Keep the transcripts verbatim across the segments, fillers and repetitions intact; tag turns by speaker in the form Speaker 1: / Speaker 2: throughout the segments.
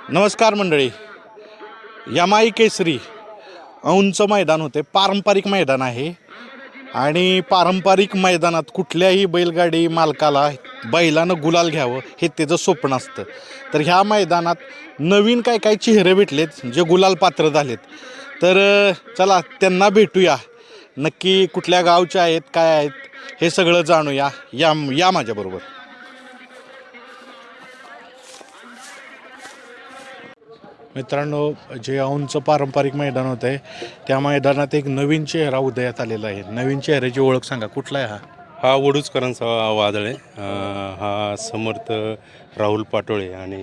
Speaker 1: नमस्कार मंडळी. यमाई केसरी औंच मैदान होते, पारंपरिक मैदान आहे आणि पारंपरिक मैदानात कुठल्याही बैलगाडी मालकाला बैलानं गुलाल घ्यावं हे त्याचं स्वप्न असतं. तर ह्या मैदानात नवीन काय काय चेहरे भेटलेत जे गुलाल पात्र झालेत. तर चला त्यांना भेटूया, नक्की कुठल्या गावचे आहेत काय आहेत हे सगळं जाणूया. या या माझ्याबरोबर. मित्रांनो, जे औंधचं पारंपरिक मैदान होतं आहे त्या मैदानात एक नवीन चेहरा उदयात आलेला आहे. नवीन चेहऱ्याची ओळख सांगा, कुठला आहे हा?
Speaker 2: हा वडूजकरांचा वादळ आहे. हा समर्थ राहुल पाटोळे आणि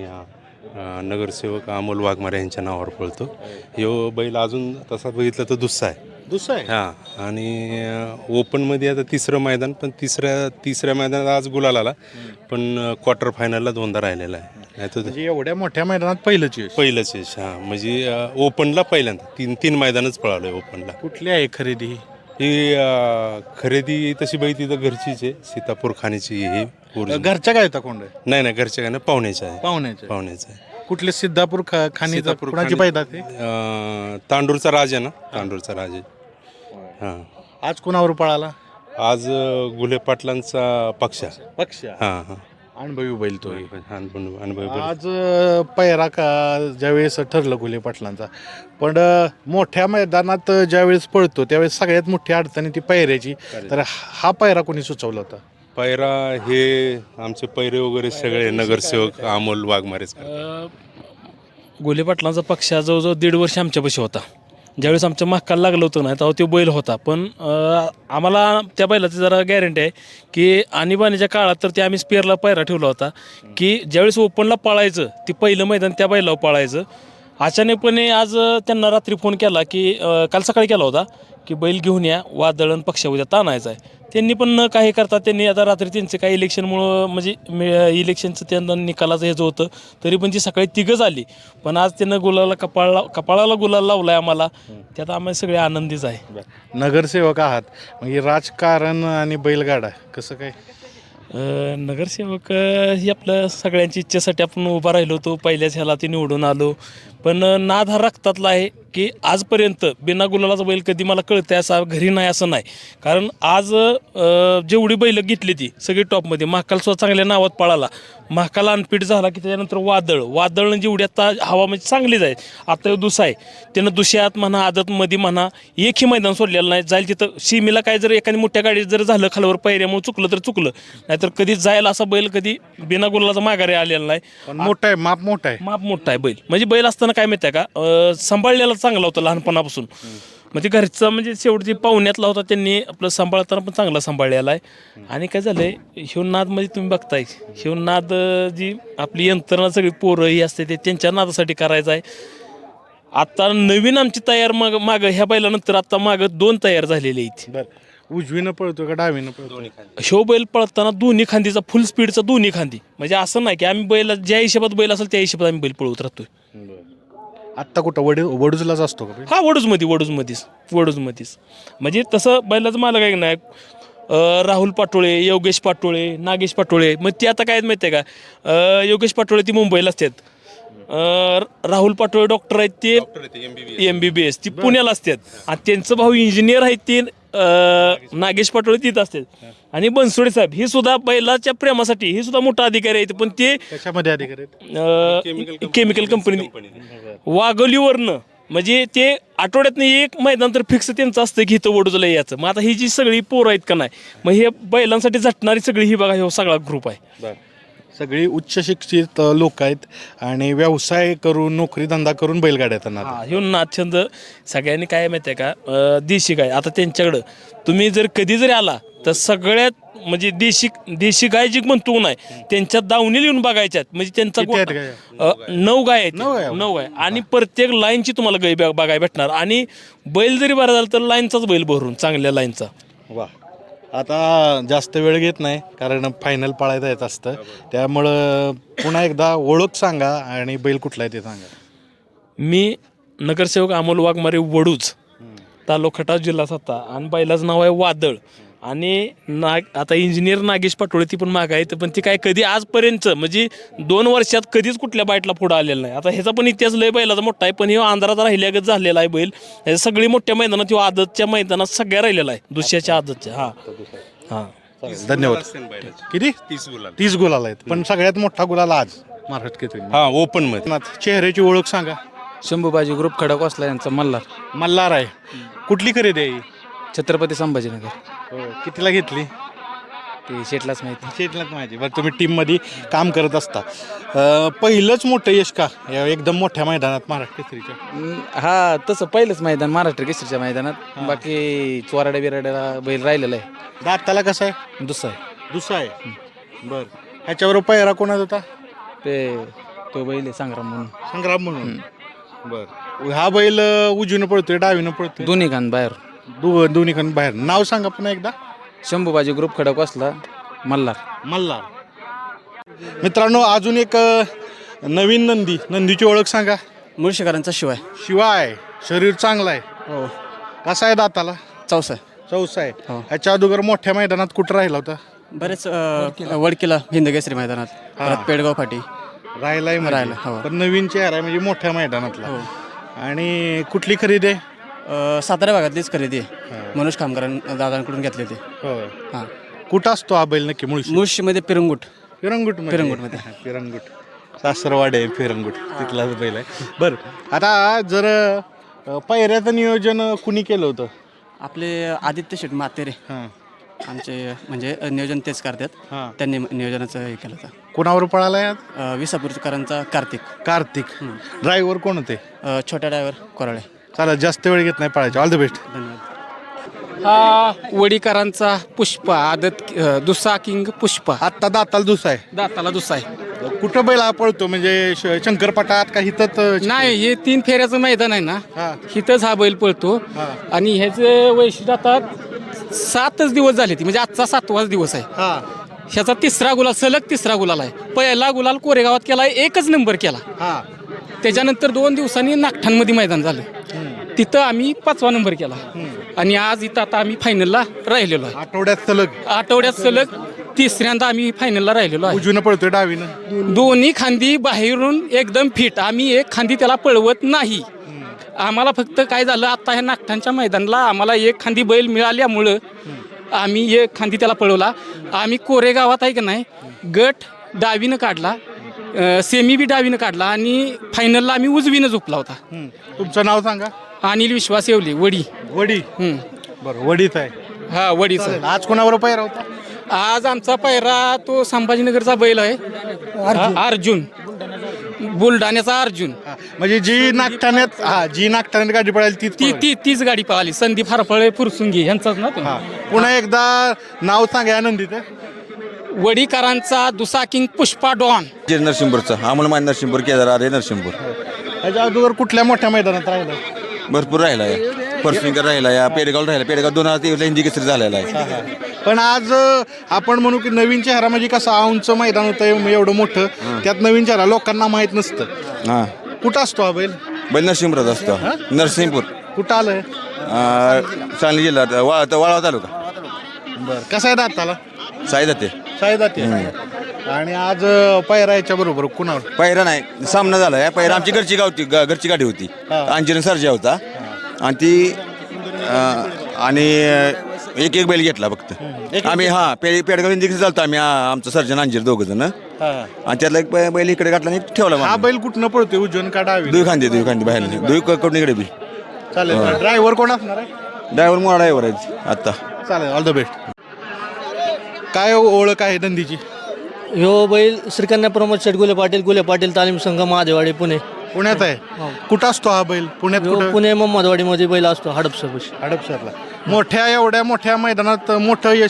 Speaker 2: अ, नगरसेवक अमोल वाघमारे यांच्या नावावर पळतो. ह्यो बैल अजून तसा बघितलं तर दुसरा आहे.
Speaker 1: दुसरा आहे.
Speaker 2: हां, आणि ओपनमध्ये आता तिसरं मैदान, पण तिसऱ्या तिसऱ्या मैदानात आज गुलाल आला, पण क्वार्टर फायनलला दोनदा राहिलेला आहे. नाही तर
Speaker 1: म्हणजे एवढ्या मोठ्या मैदानात पहिलंच यश.
Speaker 2: पहिलंच यश. हां, म्हणजे ओपनला पहिल्यांदा तीन तीन मैदानच पळालं आहे ओपनला.
Speaker 1: कुठली आहे खरेदी ही?
Speaker 2: ही अ, खरेदी तशी बाई तिथं घरचीच आहे, सीतापूर खाणीची ही original.
Speaker 1: घरच्या काय होता कोंड?
Speaker 2: नाही नाही, घरच्या काय नाही, पाहुण्याचं आहे.
Speaker 1: पाहुण्याचे.
Speaker 2: पाहुण्याचं आहे.
Speaker 1: कुठले सिद्धापूर खा खाणी
Speaker 2: सीतापूर
Speaker 1: कुणाची
Speaker 2: खाणी-
Speaker 1: पैदा ते?
Speaker 2: अ, तांडूरचा राज आहे ना, तांडूरचा राज आहे. हां,
Speaker 1: आज कोणावर पळाला?
Speaker 2: आज अ, गुले पाटलांचा पक्ष.
Speaker 1: पक्ष.
Speaker 2: हां हां,
Speaker 1: अनुभवी बैल तो.
Speaker 2: अनुभव अनुभव.
Speaker 1: आज अ, पैरा का ज्यावेळेस ठरलं गुले पाटलांचा, पण अ, मोठ्या मैदानात ज्यावेळेस पळतो त्यावेळेस सगळ्यात मोठी अडचण ती पैऱ्याची. तर हा पैरा कोणी सुचवला होता?
Speaker 2: पैरा हे आमचे पैरे वगैरे सगळे नगरसेवक अमोल वाघमारेच करतात.
Speaker 3: गोले पाटलांचा पक्ष जवळजवळ दीड वर्ष आमच्यापाशी होता. ज्यावेळेस आमच्या माकाला लागलं होतं ना, तेव्हा तो बैल होता. पण अ, आम्हाला त्या बैलाची जरा गॅरंटी आहे की आणीबाणीच्या काळात तर ते आम्ही स्पेअरला पायरा ठेवला होता की ज्यावेळेस ओपनला पळायचं ती पहिलं मैदान त्या बैलावर पळायचं. अचानकपणे आज अ, त्यांना रात्री फोन केला की अ, काल सकाळी केला होता की बैल घेऊन या, वादळण पक्ष उद्या ताणायचा आहे. त्यांनी पण न काही करता त्यांनी आता रात्री त्यांचं काही इलेक्शनमुळं म्हणजे इलेक्शनचं त्यांना निकालाचं हेच होतं, तरी पण ती सकाळी तिघंच आली. पण आज त्यांनं गुलाला कपाळला कपाळाला गुलाल लावला आहे आम्हाला, त्यात आम्हाला सगळे आनंदीच आहे.
Speaker 1: नगरसेवक आहात, म्हणजे राजकारण आणि बैलगाडा कसं काय?
Speaker 3: अ, नगरसेवक अ, ही आपलं सगळ्यांची इच्छेसाठी आपण उभा राहिलो होतो, पहिल्याच ह्याला ती निवडून आलो. पण अ, नाद हा रक्तातला आहे की आजपर्यंत बिना गुलालाचा बैल कधी मला कळतं असा घरी नाही असं नाही. कारण आज अ, जेवढी बैलं घेतली ती सगळी टॉपमध्ये. महाकाल सुद्धा चांगल्या नावात पळाला. महाकाल अनफिट झाला की त्याच्यानंतर वादळ वादळनं जेवढी आता हवा म्हणजे चांगलीच आहे. आता दुसरा आहे, त्यानं दुसऱ्यात म्हणा आदतमध्ये म्हणा एकही मैदान सोडलेलं नाही. जाईल तिथं सीमेला काय जर एखादी मोठ्या गाडीत जर झालं खालवर पैऱ्यामुळे चुकलं तर चुकलं, नाहीतर कधी जायला असा बैल कधी बिना गुलालाचा माघारी आलेला नाही.
Speaker 1: पण मोठा आहे, माप मोठा आहे.
Speaker 3: माप मोठा आहे बैल. म्हणजे बैल असताना काय माहिती आहे का, अ, सांभाळलेला चांगला होता लहानपणापासून. म्हणजे घरचा म्हणजे शेवटी पाहुण्यातला होता, त्यांनी आपलं सांभाळताना पण चांगला सांभाळलेला आहे. आणि काय झालंय, ह्यो नादमध्ये तुम्ही बघताय, ह्यो नाद अ, जी आपली यंत्रणा सगळी पोरं ही असते ते त्यांच्या नादासाठी करायचं आहे. आता नवीन आमची तयार माग मागं ह्या बैलानंतर आता मागं दोन तयार झालेले आहेत.
Speaker 1: बरं, उजवीनं पळतो का डावीनं पळतो?
Speaker 3: ह्यो बैल पळताना दोन्ही खांदीचा फुल स्पीडचा दोन्ही खांदी. म्हणजे असं नाही की आम्ही बैल ज्या हिशोबात बैल असेल त्या हिशोबात आम्ही बैल पळवत राहतोय.
Speaker 1: आत्ता कुठं वड वडूजलाच असतो का बैल?
Speaker 3: हा वडूजमध्ये वडूजमध्येच वडूजमध्येच म्हणजे तसं बैलाचं मला काय नाही. अ, राहुल पाटोळे, योगेश पाटोळे, नागेश पाटोळे, मग ते आता काय माहिती आहे का, अ, योगेश पाटोळे ती मुंबईला असतात. अ, राहुल पाटोळे डॉक्टर आहेत ते एम बी बी एस ती पुण्याला असतात. आणि त्यांचं भाऊ इंजिनियर आहेत ते अ, नागेश पाटोळे तिथं असतात. आणि बनसोडे साहेब ही सुद्धा बैलाच्या प्रेमासाठी ही सुद्धा मोठा अधिकारी आहेत, पण ते
Speaker 1: त्याच्यामध्ये अधिकारी आहेत?
Speaker 3: अ, केमिकल कंपनी वाघोलीवरनं. म्हणजे ते आठवड्यातनं एक मैदान तर फिक्स त्यांचं असतं की इथं वडूजला यायचं. मग आता ही जी सगळी पोरं आहेत का नाही, मग हे बैलांसाठी झटणारी सगळी ही बघा हे सगळा ग्रुप आहे.
Speaker 1: सगळी उच्च शिक्षित लोक आहेत आणि व्यवसाय करून नोकरी धंदा करून बैलगाड्या येतात.
Speaker 3: हा ह्यो नादछंद सगळ्यांनी काय माहिती आहे का, अ, देशी गाय आता त्यांच्याकडं तुम्ही जर कधी जरी आला तर सगळ्यात म्हणजे देशी देशी गाय जी म्हणतो नाही त्यांच्या दावणीला येऊन बघायच्यात. म्हणजे त्यांचा
Speaker 1: किती आहेत
Speaker 3: गोठा- अ, नऊ गाय आहेत.
Speaker 1: नऊ गाय?
Speaker 3: नऊ गाय आणि प्रत्येक लाईनची तुम्हाला गाय बघ- बघायला भेटणार. आणि बैल जरी बरा झाला तर लाईनचाच बैल भरून चांगल्या लाईनचा.
Speaker 1: वा, आता जास्त वेळ घेत नाही कारण फायनल पाळायचं येत असतं, त्यामुळं पुन्हा एकदा ओळख सांगा आणि बैल कुठला आहे ते सांगा.
Speaker 3: मी नगरसेवक अमोल वाघमारे वडूज, तालुका खटाव, जिल्हा सातारा. आणि बैलाचं नाव आहे वादळ. आणि नाग आता इंजिनियर नागेश पाटोळे ती पण माग आहे तर पण ती काय कधी आजपर्यंत म्हणजे दोन वर्षात कधीच कुठल्या बाईटला पुढं आलेलं नाही. आता ह्याचा पण इतिहास लय बैलाचा मोठा आहे पण हे अंधारात राहिल्यागत झालेला आहे बैल. हे सगळी मोठ्या मैदानात किंवा आदतच्या मैदानात सगळ्या राहिलेला आहे दुसऱ्याच्या आदतच्या. हां हां
Speaker 1: धन्यवाद. किती
Speaker 2: तीस गुलाल
Speaker 1: तीस गुलाल आहेत पण सगळ्यात मोठा गुलाल आज महाराष्ट्र केसरी.
Speaker 2: हा ओपन मध्ये.
Speaker 1: चेहऱ्याची ओळख सांगा.
Speaker 4: शंभूबाजी ग्रुप खडकवासला यांचा मल्हार.
Speaker 1: मल्हार आहे. कुठली खरेदी आहे ही?
Speaker 4: छत्रपती संभाजीनगर.
Speaker 1: हो, कितीला घेतली?
Speaker 4: ते शेटलाच माहिती.
Speaker 1: शेतलाच माहिती. बरं तुम्ही टीममध्ये काम करत असता. अं, पहिलंच मोठं यश का या एकदम मोठ्या मैदानात महाराष्ट्र केसरीच्या?
Speaker 4: अं, हा तसं पहिलंच मैदान महाराष्ट्र केसरीच्या मैदानात. बाकी चोराड्या बिराड्याला बैल राहिलेला आहे.
Speaker 1: दाताला कसं आहे?
Speaker 4: दुसरा आहे
Speaker 1: दुसरा आहे. बरं ह्याच्याबरोबर पहिरा कोणाचा होता?
Speaker 4: ते तो बैल आहे संग्राम म्हणून.
Speaker 1: संग्राम म्हणून. बरं हा बैल अं, उजवीनं पळतोय डावीनं पळतोय?
Speaker 4: दोन्ही खान बाहेर.
Speaker 1: दो दोन्ही खान बाहेर. नाव सांगा पुन्हा एकदा.
Speaker 4: शंभूबाजी ग्रुप खडकवासला मल्हार.
Speaker 1: मल्हार. मित्रांनो अजून एक अं, नवीन नंदी. नंदीची ओळख सांगा.
Speaker 4: मुळशीकरांचा शिवाय.
Speaker 1: शिवाय शरीर चांगलं आहे.
Speaker 4: हो.
Speaker 1: कसा आहे दाताला?
Speaker 4: चौसा.
Speaker 1: चौसा आहे. ह्याच्या अगोदर मोठ्या मैदानात कुठं राहिला होता?
Speaker 4: बरेच वडकीला हिंदकेसरी मैदानात. परत पेडगाव फाटी
Speaker 1: राहिलाय म्हणजे.
Speaker 4: राहिला, हो.
Speaker 1: पण नवीन चेहरा आहे म्हणजे मोठ्या मैदानातला. आणि कुठली खरेदी आहे?
Speaker 4: सातारा भागातलीच खरेदी आहे. मनोज कामगार दादांकडून घेतले ते.
Speaker 1: हो.
Speaker 4: हां.
Speaker 1: कुठं असतो हा बैल नक्की? मुळशी.
Speaker 4: मुळशीमध्ये पिरंगुट.
Speaker 1: फिरंगुट.
Speaker 4: फिरंगुटमध्ये.
Speaker 1: फिरंगुट सासरवाड आहे फिरंगुट तिथलाच बैल आहे. बरं आता जर अं, पायऱ्याचं नियोजन कुणी केलं होतं?
Speaker 4: आपले आदित्य शेठ मातेरे
Speaker 1: हां
Speaker 4: आमचे म्हणजे नियोजन तेच करतात.
Speaker 1: हां.
Speaker 4: त्यांनी नियोजनाचं हे केलं होतं.
Speaker 1: कोणावर पळाला आज?
Speaker 4: अ, विसापूरकरांचा कार्तिक.
Speaker 1: कार्तिक. ड्रायव्हर कोण होते?
Speaker 4: अ, छोट्या ड्रायव्हर कोराळे.
Speaker 1: चालेल जास्त वेळ घेत नाही पळायचे. All the best.
Speaker 4: धन्यवाद. हा वडीकरांचा पुष्पा आदत अ, दुसरा किंग पुष्पा.
Speaker 1: आत्ता दाताला दुसरा आहे.
Speaker 4: दाताला दुसरा आहे.
Speaker 1: कुठं बैल हा पळतो म्हणजे श- शंकरपटात का हिथंच?
Speaker 4: नाही हे तीन फेऱ्याचं मैदान आहे ना.
Speaker 1: हां.
Speaker 4: हिथंच हा बैल पळतो.
Speaker 1: हां.
Speaker 4: आणि ह्याचे वैशिष्ट्य आता सातच दिवस झाले ती म्हणजे आजचा सातवाच दिवस आहे.
Speaker 1: हां
Speaker 4: ह्याचा तिसरा गुलाल सलग तिसरा गुलाल आहे. पहिला गुलाल कोरेगावात केला एकच नंबर केला.
Speaker 1: हां.
Speaker 4: त्याच्यानंतर दोन दिवसांनी नागठाणमध्ये मैदान झालं. तिथं आम्ही पाचवा नंबर केला. आणि आज इथं आता आम्ही फायनलला राहिलेलो आहे.
Speaker 1: आठवड्यात सलग
Speaker 4: आठवड्यात सलग तिसऱ्यांदा आम्ही फायनलला राहिलेलो आहे.
Speaker 1: उजवीनं पळतोय डावीनं?
Speaker 4: दोन्ही खांदी बाहेरून एकदम फिट. आम्ही एक खांदी त्याला पळवत नाही. आम्हाला फक्त काय झालं आता ह्या नागठाणच्या मैदानाला आम्हाला एक खांदी बैल मिळाल्यामुळं आम्ही एक खांदी त्याला पळवला. आम्ही कोरेगावात आहे की नाही गट डावीनं काढला. सेमी बी डावीनं काढला आणि फायनलला आम्ही उजवीनं झोपला होता.
Speaker 1: हं. तुमचं नाव सांगा.
Speaker 4: अनिल विश्वास येवले वडी.
Speaker 1: वडी.
Speaker 4: हं.
Speaker 1: बरं वडीत आहे.
Speaker 4: हा वडीचा.
Speaker 1: आज कोणावर पायरा होता?
Speaker 4: आज आमचा पायरा तो संभाजीनगरचा बैल आहे. हा, अर्जुन. बुलढाण्याचा अर्जुन.
Speaker 1: हां. म्हणजे जी नागठाण्यात हा जी नागठाण्यात गाडी पळाली ती
Speaker 4: ती ती तीच गाडी पळाली. संदीप हरफळे फुरसुंगी यांचाच ना तो.
Speaker 1: हां. पुन्हा एकदा नाव सांगा आनंदीत.
Speaker 4: वडीकरांचा दुसा किंग पुष्पा डॉन.
Speaker 5: जे नरसिंहपूरचा अमोल मान नरसिंहपूर केदार आरे नरसिंहपूर
Speaker 1: ह्याच्या अगोदर कुठल्या मोठ्या मैदानात राहिला?
Speaker 5: भरपूर राहिला आहे. परसुंगर राहिला या पेडगाव राहिला. पेडगाव दोन हजार तेवीसला हिंदी केसरी झालेला आहे.
Speaker 1: पण आज अं, आपण म्हणू की नवीन चेहरा म्हणजे कसं औंच मैदान होतं एवढं मोठं त्यात नवीन चेहरा लोकांना माहीत नसतं.
Speaker 5: हां
Speaker 1: कुठं असतो हा बैल?
Speaker 5: बैल नरसिंहपुरात असतो. नरसिंहपूर
Speaker 1: कुठं आलंय?
Speaker 5: अं, सांगली जिल्ह्यात वाळ वाळवा तालुका.
Speaker 1: बरं कसं आहे दाताला?
Speaker 5: साई जाते.
Speaker 1: साईदाती. आणि आज अं, पायरा याच्या बरोबर कुणावर?
Speaker 5: पहिरा नाही सामना झाला आहे. पहिरा आमची घरची गावती ग- घरची गाडी होती. अंजिरन सर्जा होता आणि ती अं, आणि एक एक बैल घेतला फक्त आम्ही. हां पे पेडगाव हिंदी केसरी चालतो आम्ही. आ- आमचं सर्जन अंजीर दोघं जण आणि त्यातला एक बै- बैल इकडे काढला आणि ठेवला.
Speaker 1: हा बैल कुठनं पळतोय उजवून का डावी?
Speaker 5: दुई खांदे दुई खांदे बाहेर दुई कडून इकडे बी.
Speaker 1: चालेल. ड्रायव्हर कोण असणार आहे?
Speaker 5: ड्रायव्हर मोठा ड्रायव्हर आहे आत्ता.
Speaker 1: चालेल. All the best. काय ओळख आहे नंदीची?
Speaker 6: ह्यो बैल श्रीकन्या प्रमोद शेट गुले पाटील गुले पाटील तालीम संघ महादेवाडी पुणे.
Speaker 1: पुण्यात आहे. कुठं असतो हा बैल? पुण्यात
Speaker 6: ह्यो
Speaker 1: कुठं?
Speaker 6: पुणे मोहम्मदवाडीमध्ये बैल असतो हडपसरपाशी.
Speaker 1: हडपसरला. मोठ्या एवढ्या मोठ्या मैदानात मोठं यश.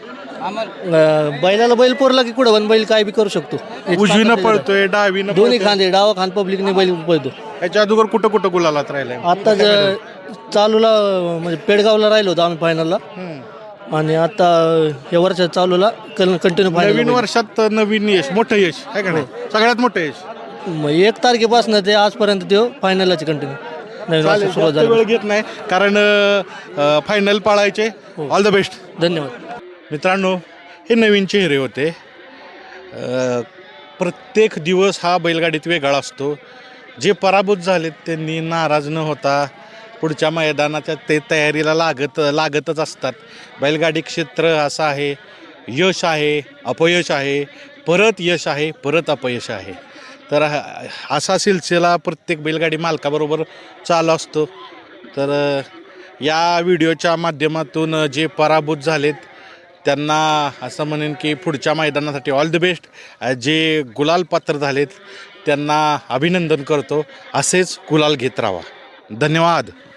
Speaker 6: अं, बैलाला बैल पोरला की कुठं पण बैल काय बी करू शकतो.
Speaker 1: उजवीनं पळतोय डावीनं
Speaker 6: दोन्ही
Speaker 1: पळतोय.
Speaker 6: खांदे डावा खांद पब्लिकने बैल पळतो.
Speaker 1: याच्या अगोदर कुठं कुठं गुलालात राहिलाय?
Speaker 6: आता ज- चालूला म्हणजे पेडगावला राहिलो होतो आम्ही फायनलला. आणि आता या वर्षात चालूला कंटिन्यू
Speaker 1: नवीन
Speaker 6: फायनल.
Speaker 1: वर्षात नवीन यश मोठं यश आहे का नाही? सगळ्यात मोठं यश.
Speaker 6: एक तारखेपासून ते आजपर्यंत ते फायनलची कंटिन्यू नवीन वर्ष
Speaker 1: चालेल.
Speaker 6: सुरुवात
Speaker 1: जास्त
Speaker 6: झाली.
Speaker 1: वेळ घेत नाही कारण फायनल पाळायचे. All the best.
Speaker 6: धन्यवाद.
Speaker 1: मित्रांनो, हे नवीन चेहरे होते. अ, प्रत्येक दिवस हा बैलगाडीत वेगळा असतो. जे पराभूत झालेत त्यांनी नाराज न होता पुढच्या मैदानाच्या ते तयारीला लागत लागतच असतात. बैलगाडी क्षेत्र असं आहे, यश आहे, अपयश आहे, परत यश आहे, परत अपयश आहे. तर हा- असा सिलसिला प्रत्येक बैलगाडी मालकाबरोबर चालू असतो. तर अ, या व्हिडिओच्या माध्यमातून जे पराभूत झालेत त्यांना असं म्हणेन की पुढच्या मैदानासाठी ऑल द बेस्ट. जे गुलाल पात्र झालेत त्यांना अभिनंदन करतो. असेच गुलाल घेत राहा. धन्यवाद.